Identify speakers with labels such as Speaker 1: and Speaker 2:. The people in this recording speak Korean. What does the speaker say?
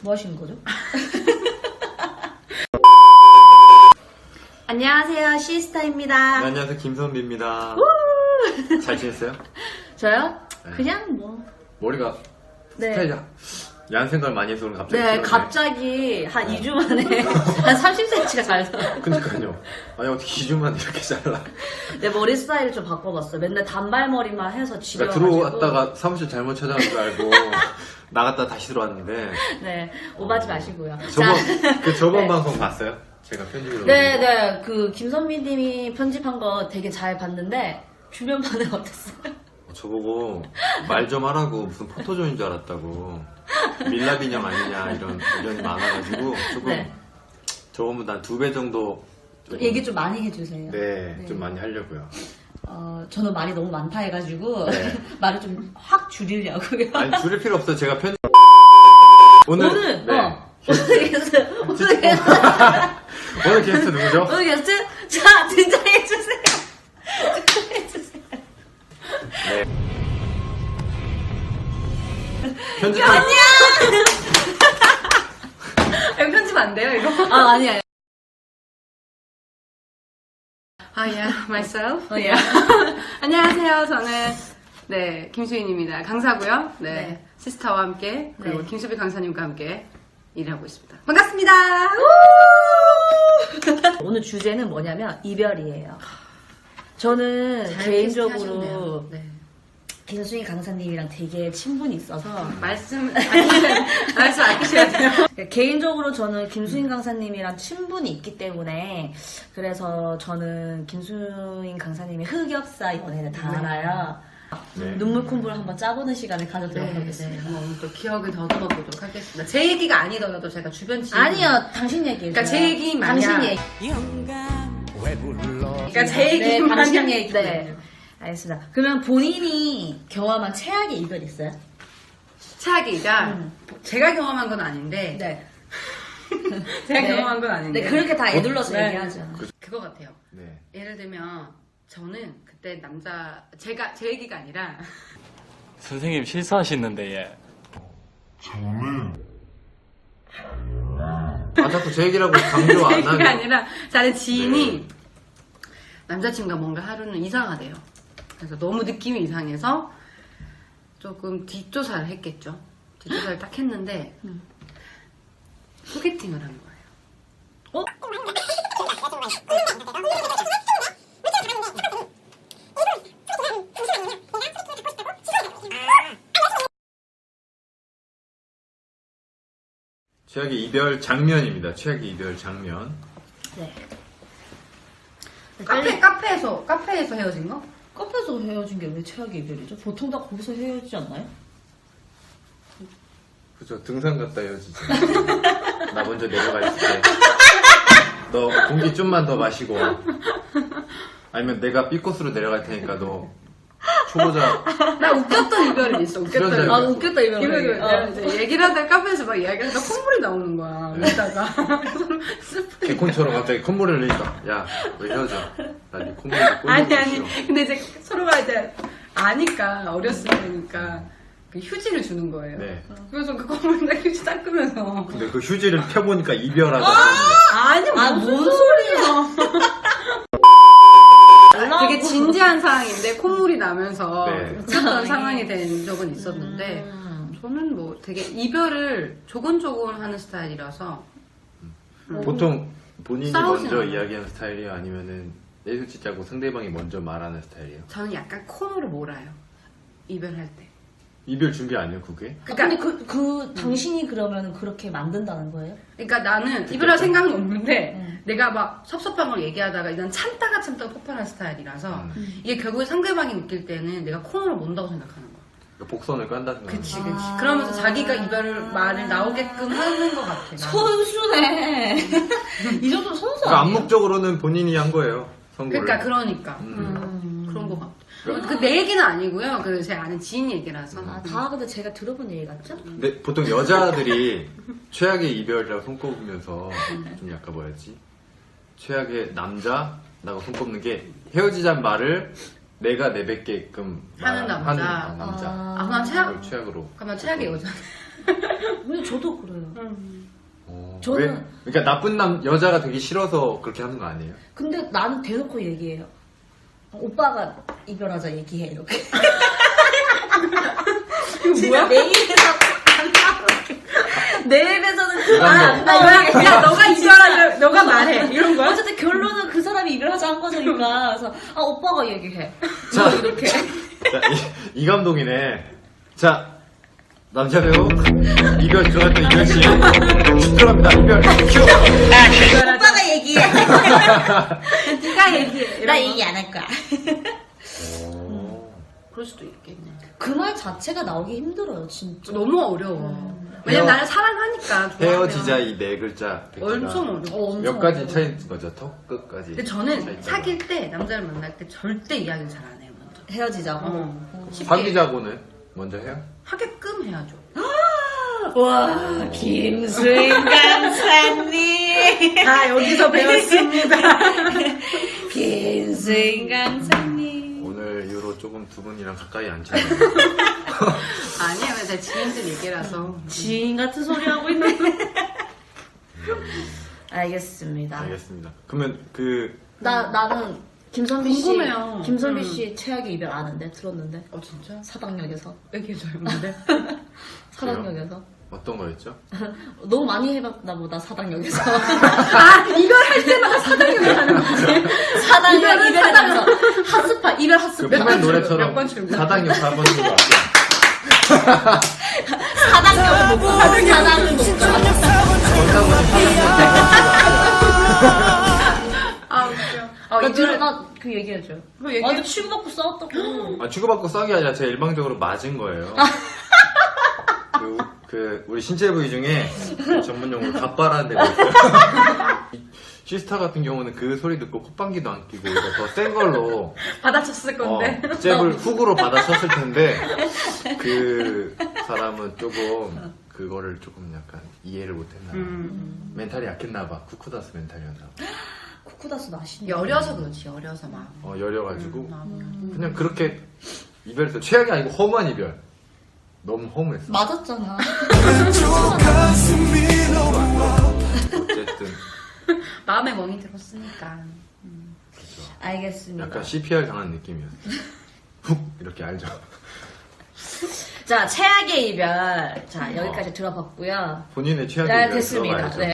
Speaker 1: 뭐 하시는 거죠? 안녕하세요, 시스타입니다.
Speaker 2: 네, 안녕하세요, 김선비입니다. 잘 지냈어요?
Speaker 1: 저요?
Speaker 2: 네.
Speaker 1: 그냥 뭐.
Speaker 2: 머리가
Speaker 1: 네.
Speaker 2: 스타일이 야한 생각을 많이 해서 갑자기
Speaker 1: 네,
Speaker 2: 길어지네.
Speaker 1: 갑자기 한 2주 만에 한 30cm가 잘라.
Speaker 2: 그니까요. 아니 어떻게 2주 만에 이렇게 잘라.
Speaker 1: 내 머리 스타일을 좀 바꿔봤어요. 맨날 단발머리만 해서
Speaker 2: 그러니까
Speaker 1: 지려가지고.
Speaker 2: 들어왔다가 사무실 잘못 찾아온 줄 알고 나갔다 다시 들어왔는데.
Speaker 1: 네, 오바지 마시고요.
Speaker 2: 저번
Speaker 1: 네.
Speaker 2: 방송 봤어요? 제가 편집을
Speaker 1: 네, 그 김선미님이 편집한 거 되게 잘 봤는데 주변 반응 어땠어요?
Speaker 2: 저보고 말 좀 하라고 무슨 포토존인 줄 알았다고 밀랍 인형 아니냐 이런 의견이 많아가지고 조금
Speaker 1: 네.
Speaker 2: 저번보다 한 2배 정도 좀,
Speaker 1: 얘기 좀 많이 해주세요.
Speaker 2: 네, 좀 많이 하려고요.
Speaker 1: 저는 말이 너무 많다 해가지고
Speaker 2: 네.
Speaker 1: 말을 좀 확 줄이려고요.
Speaker 2: 아니 줄일 필요 없어요. 제가 오늘 네.
Speaker 1: 오늘 게스트
Speaker 2: 오늘 게스트 누구죠?
Speaker 1: 오늘 게스트 자 등장해주세요. 등장해주세요.
Speaker 2: 네. 편집
Speaker 1: 안녕.
Speaker 3: 이거 편집 안 돼요, 이거?
Speaker 1: 아니야.
Speaker 3: myself.
Speaker 1: 예.
Speaker 3: 안녕하세요, 저는, 네, 김수인입니다. 강사고요. 네,
Speaker 1: 네.
Speaker 3: 시스타와 함께, 그리고
Speaker 1: 네.
Speaker 3: 김수비 강사님과 함께 일을 하고 있습니다. 반갑습니다!
Speaker 1: 오늘 주제는 뭐냐면 이별이에요. 저는 개인적으로
Speaker 3: 네.
Speaker 1: 김수희 강사님이랑 되게 친분이 있어서
Speaker 3: 말씀 아끼셔야 돼요.
Speaker 1: 개인적으로 저는 김수인 강사님이랑 친분이 있기 때문에 그래서 저는 김수인 강사님의 흑역사 연애를 다 알아요.
Speaker 2: 네.
Speaker 1: 눈물 콤보를 한번 짜보는 시간을 가져도록
Speaker 3: 네,
Speaker 1: 하겠습니다.
Speaker 3: 오늘 또 기억을 더듬어 보도록 하겠습니다. 제 얘기가 아니더라도 제가 주변 지인.
Speaker 1: 아니요, 당신 얘기예요.
Speaker 3: 그러니까 제 얘기 마냥.
Speaker 1: 당신 얘기.
Speaker 3: 그러니까 제 얘기
Speaker 1: 네, 당신
Speaker 3: 마냥.
Speaker 1: 얘기. 네. 알겠습니다. 그러면 본인이 경험한 최악의 이별 있어요?
Speaker 3: 차기가 제가 경험한 건 아닌데.
Speaker 1: 네.
Speaker 3: 제가
Speaker 1: 네.
Speaker 3: 경험한 건 아닌데.
Speaker 1: 네, 그렇게 다 애둘러서
Speaker 3: 네.
Speaker 1: 얘기하죠.
Speaker 3: 그거 같아요.
Speaker 2: 네.
Speaker 3: 예를 들면 저는 그때 제 얘기가 아니라
Speaker 4: 선생님 실수하시는데 예.
Speaker 2: 아 자꾸 제 얘기라고 강조
Speaker 3: 제
Speaker 2: 안
Speaker 3: 얘기가
Speaker 2: 하게.
Speaker 3: 아니라 다른 지인이 남자친구가 뭔가 하루는 이상하대요. 그래서 너무 느낌이 이상해서 조금 뒷조사를 했겠죠. 뒷조사를 딱 했는데 소개팅을 한 거예요.
Speaker 2: 최악의 이별 장면입니다. 최악의 이별 장면.
Speaker 1: 네.
Speaker 3: 카페에서 헤어진 거?
Speaker 1: 카페에서 헤어진 게 왜 최악의 이별이죠? 보통 다 거기서 헤어지지 않나요?
Speaker 2: 그죠. 등산 갔다 헤어지지. 나 먼저 내려가 있을 때. 너 공기 좀만 더 마시고. 아니면 내가 B코스로 내려갈 테니까 너 초보자.
Speaker 3: 나 웃겼던 이별은 있어. 웃겼던
Speaker 2: 출연자
Speaker 3: 이별.
Speaker 1: 아, 웃겼다, 이별.
Speaker 3: 이별. 내가 이제 얘기를 하다가 카페에서 막 이야기하다가 콧물이 나오는 거야.
Speaker 2: 네.
Speaker 3: 웃다가.
Speaker 2: 개콘처럼 갑자기 콧물을 흘리니까. 야, 왜 헤어져? 나네 콧물이
Speaker 3: 아니. 근데 이제 서로가 이제 아니까, 어렸을 때니까 그 휴지를 주는 거예요.
Speaker 2: 네.
Speaker 3: 그래서 그 콧물에다 휴지 닦으면서.
Speaker 2: 근데 그 휴지를 펴보니까 이별하다.
Speaker 3: 아니,
Speaker 1: 뭔 소리야.
Speaker 3: 되게 진지한 상황인데 콧물이 나면서
Speaker 2: 네.
Speaker 3: 웃었던 상황이 된 적은 있었는데 저는 뭐 되게 이별을 조곤조곤 하는 스타일이라서
Speaker 2: 보통 본인이
Speaker 3: 싸우진
Speaker 2: 먼저
Speaker 3: 않아요.
Speaker 2: 이야기하는 스타일이에요? 아니면은 내수치 짜고 상대방이 먼저 말하는 스타일이에요?
Speaker 3: 저는 약간 코너를 몰아요. 이별할 때.
Speaker 2: 이별 준비 아니에요, 그게?
Speaker 1: 근데 당신이 그러면 그렇게 만든다는 거예요?
Speaker 3: 그러니까 나는 이별할 생각은 없는데 내가 막 섭섭한 걸 얘기하다가 일단 참다가 폭발할 스타일이라서 이게 결국에 상대방이 느낄 때는 내가 코너를 몬다고 생각하는 거야.
Speaker 2: 그러니까 복선을 깐다 생각.
Speaker 3: 그치. 그러면서 자기가 이별 말을 나오게끔 하는 것 같아. 나는.
Speaker 1: 선수네. 이 정도 선수
Speaker 2: 그러니까
Speaker 1: 아니에요?
Speaker 2: 암묵적으로는 본인이 한 거예요, 선고를.
Speaker 3: 그러니까. 그런 것 같아. 그 내 얘기는 아니고요. 그 제 아는 지인 얘기라서.
Speaker 1: 다 근데 제가 들어본 얘기 같죠?
Speaker 2: 근데 보통 여자들이 최악의 이별이라고 손꼽으면서 좀 약간 뭐였지? 최악의 남자라고 손꼽는 게 헤어지자는 말을 내가 내뱉게끔
Speaker 3: 하는 남자.
Speaker 2: 남자.
Speaker 3: 아, 그럼
Speaker 2: 그걸 최악으로.
Speaker 3: 그러면 최악의 여자.
Speaker 1: 근데 저도 그래요. 저는-
Speaker 2: 그러니까 나쁜 여자가 되기 싫어서 그렇게 하는 거 아니에요?
Speaker 1: 근데 나는 대놓고 얘기해요. 오빠가 이별하자 얘기해 이렇게. 진짜 내 입에서 내 입에서는
Speaker 2: 이건
Speaker 3: 야, 너가 이별하려, 너가 말해. 이런 거야?
Speaker 1: 어쨌든 결론은 그 사람이 이별하자 한 거니까. 그래서 오빠가 얘기해.
Speaker 2: 자,
Speaker 1: 이렇게.
Speaker 2: 자, 이 감독이네. 자, 남자 배우 이별 들어갔던 이별 씨 쭉 들어갑니다. 이별 큐.
Speaker 1: 오빠가 얘기해.
Speaker 3: 네가 얘기해.
Speaker 1: 나 얘기 안 할 거야.
Speaker 3: 그럴 수도 있겠네.
Speaker 1: 그 말 자체가 나오기 힘들어요, 진짜.
Speaker 3: 너무 어려워. 왜냐면 나를 사랑하니까. 좋아하면.
Speaker 2: 헤어지자 이 네 글자. 백지가
Speaker 3: 엄청 어려워.
Speaker 2: 몇 가지 차이인 거죠? 턱 끝까지.
Speaker 3: 근데 저는 사귈 때, 남자를 만날 때 절대 이야기를 잘 안 해요, 먼저.
Speaker 1: 헤어지자고.
Speaker 3: 쉽게
Speaker 2: 사귀자고는 먼저 해요?
Speaker 3: 하게끔 해야죠.
Speaker 1: 와, 김수인 강사님.
Speaker 3: 다 여기서 배웠습니다.
Speaker 1: 김수인 강사님.
Speaker 2: 오늘 이후로 조금 두 분이랑 가까이 앉혀요.
Speaker 3: 아니에요, 제 지인들 얘기라서.
Speaker 1: 지인 같은 소리 하고 있는데. 알겠습니다.
Speaker 2: 알겠습니다. 그러면
Speaker 1: 나는 김선비 씨.
Speaker 3: 궁금해요.
Speaker 1: 김선비 씨 최악의 이별 아는데, 들었는데.
Speaker 3: 진짜?
Speaker 1: 사당역에서.
Speaker 3: 얘기해줘요, 근데.
Speaker 1: 사당역에서.
Speaker 2: 어떤 거였죠?
Speaker 1: 너무 많이 해봤나 보다, 사당역에서.
Speaker 3: 이걸 할 때마다 사당역에 가는 거지.
Speaker 1: 사당역,
Speaker 3: 이별은
Speaker 1: 이별하면서. 핫스파, 이별
Speaker 2: 그
Speaker 1: 핫스파.
Speaker 2: 포맨 노래처럼
Speaker 3: 몇번 출근?
Speaker 2: 사당역 4번 출구 앞에.
Speaker 1: 사당역 못 가. 사당역 못 가.
Speaker 3: 아, 웃겨.
Speaker 1: 그 얘기해줘.
Speaker 3: 뭐 얘기해?
Speaker 1: 완전 치고받고 싸웠다고.
Speaker 2: 아, 치고받고 싸운 게 아니라 제가 일방적으로 맞은 거예요. 우리 신체 부위 중에 그 전문 용어로 갑바라는 데가 있어요. 이 시스타 같은 경우는 그 소리 듣고 콧방귀도 안 끼고 이거 더 센 걸로
Speaker 3: 받아쳤을 건데.
Speaker 2: 잽을 훅으로 받아쳤을 텐데 그 사람은 조금 그거를 조금 약간 이해를 못했나 봐. 멘탈이 약했나 봐. 쿠쿠다스 멘탈이었나 봐.
Speaker 1: 쿠쿠다스 맛있네.
Speaker 3: 여려서 그렇지, 여려서 막.
Speaker 2: 여려가지고 그냥 그렇게 이별했어. 최악이 아니고 허무한 이별. 너무 허무했어.
Speaker 1: 맞았잖아.
Speaker 2: 어쨌든
Speaker 3: 마음에 멍이 들었으니까.
Speaker 1: 알겠습니다.
Speaker 2: 약간 CPR 당한 느낌이었어. 훅 이렇게 알죠.
Speaker 1: 자, 최악의 이별. 자, 여기까지 들어봤고요.
Speaker 2: 본인의 최악의
Speaker 1: 네,
Speaker 2: 이별
Speaker 1: 됐습니다.
Speaker 2: 들어봐야죠.
Speaker 1: 네.